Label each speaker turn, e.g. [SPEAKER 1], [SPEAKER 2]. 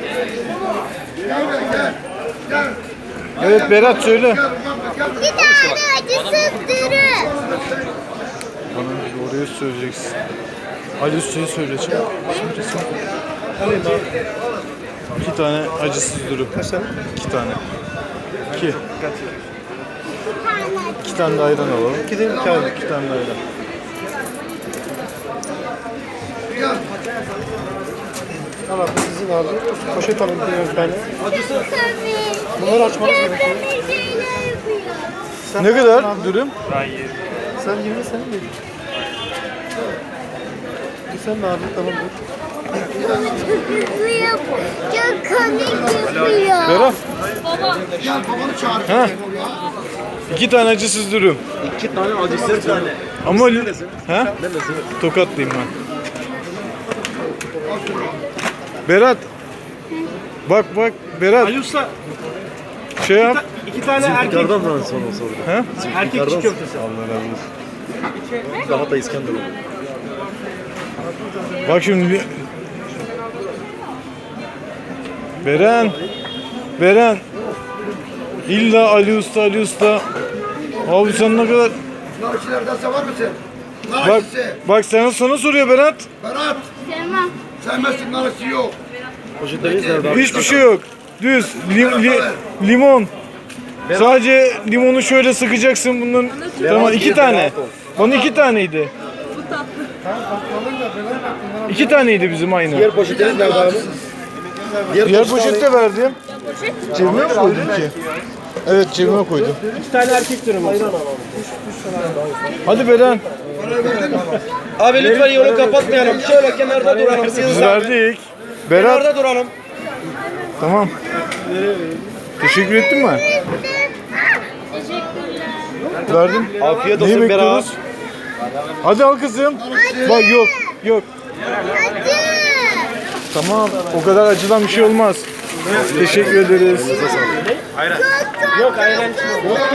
[SPEAKER 1] Evet Berat söyle.
[SPEAKER 2] Bir tane acısız dürüm.
[SPEAKER 1] Bana oraya söyleyeceksin. Ali Usta'yı söyleyeceğim. Şimdi sen. 2 tane acısız dürüm. Kaç tane? 2 tane. 2. 2 tane de ayran alalım. 2 tane de ayran.
[SPEAKER 3] Tamam sizin abi. Poşet alın bir tane.
[SPEAKER 2] Çok
[SPEAKER 3] Bunları açmanız gerekiyor.
[SPEAKER 1] Ne kadar dürüm?
[SPEAKER 3] Sen 20 sen mi? Sen ne abi? Tamam dur.
[SPEAKER 2] Çok komik yapıyor.
[SPEAKER 1] Berat. Ha? 2 tane acısız dürüm.
[SPEAKER 4] 2 tane acısız tane.
[SPEAKER 1] Ama ha? Tokatlıyım ben. Berat. Bak Berat.
[SPEAKER 3] Ali Usta
[SPEAKER 1] Şey yap.
[SPEAKER 3] 2 tane erkek.
[SPEAKER 4] Yukarıdan sonra sordu.
[SPEAKER 1] Ha?
[SPEAKER 3] Erkek çiğ köftesi.
[SPEAKER 1] Allah razı olsun.
[SPEAKER 4] Daha da İskender oldu.
[SPEAKER 1] Bak şimdi. Beren. İlla Ali Usta. Abi sen ne kadar...
[SPEAKER 5] Narşilerden sever misin?
[SPEAKER 1] Bak,
[SPEAKER 5] Narşisi.
[SPEAKER 1] bak sana soruyor Berat.
[SPEAKER 5] Berat.
[SPEAKER 2] Sevmem.
[SPEAKER 5] Sevmezsin narşisi yok.
[SPEAKER 4] Poşetleriniz nerede abi?
[SPEAKER 1] Hiçbir şey yok. Düz. Limon. Sadece limonu şöyle sıkacaksın bunun. Tamam 2 tane. Onun 2 taneydi. 2 taneydi bizim aynı.
[SPEAKER 4] Diğer poşetleriniz nerede abi?
[SPEAKER 1] Diğer poşette verdim. Cebime mi koydum ki? Evet cebime koydum.
[SPEAKER 3] 2 tane erkek dürüm olsun.
[SPEAKER 1] Hadi Beren.
[SPEAKER 4] Abi lütfen yolu kapatmayalım. Şöyle kenarda duralım.
[SPEAKER 1] Biz verdik. Berat.
[SPEAKER 4] Kenarda duralım.
[SPEAKER 1] Tamam. Teşekkür ettin mi? Verdim.
[SPEAKER 4] Afiyet
[SPEAKER 1] Neyi
[SPEAKER 4] olsun Berat.
[SPEAKER 1] bekliyoruz? Hadi al kızım. Bak yok.
[SPEAKER 2] Acı.
[SPEAKER 1] Tamam. O kadar acıdan bir şey olmaz. Teşekkür ederiz.
[SPEAKER 2] Çok
[SPEAKER 3] Yok ayran içmiyorum.